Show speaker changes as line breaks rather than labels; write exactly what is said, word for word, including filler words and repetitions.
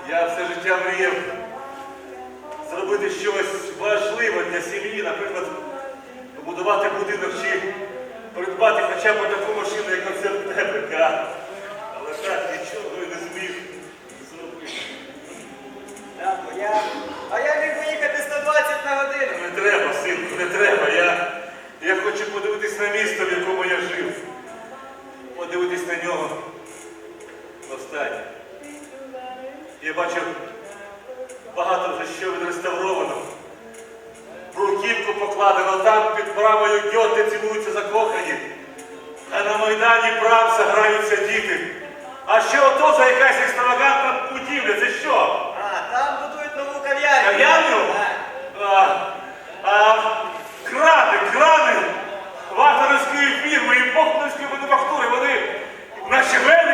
Я все життя мріяв зробити щось важливе для сім'ї, наприклад, побудувати будинок чи придбати хоча б таку машину, як оце в тебе, а? Але так нічого і не зміг зробити.
Тату, я... А я міг виїхати сто двадцять на годину.
Не треба, синку, не треба. Я, я хочу подивитись на місто, в якому я жив. Подивитись на нього останнє. Я бачив багато вже що відреставровано. Бруківку покладено, там під брамою Гьоте цілуються закохані. А на Майдані Брамса граються діти. А що ото за якась екстравагантна будівля? Це що?
А, там будують нову кав'ярню.
Кав'ярню?
Так.
А, а, крани, крани вагнерівської фірми і бохманської мануфактури, вони наші вени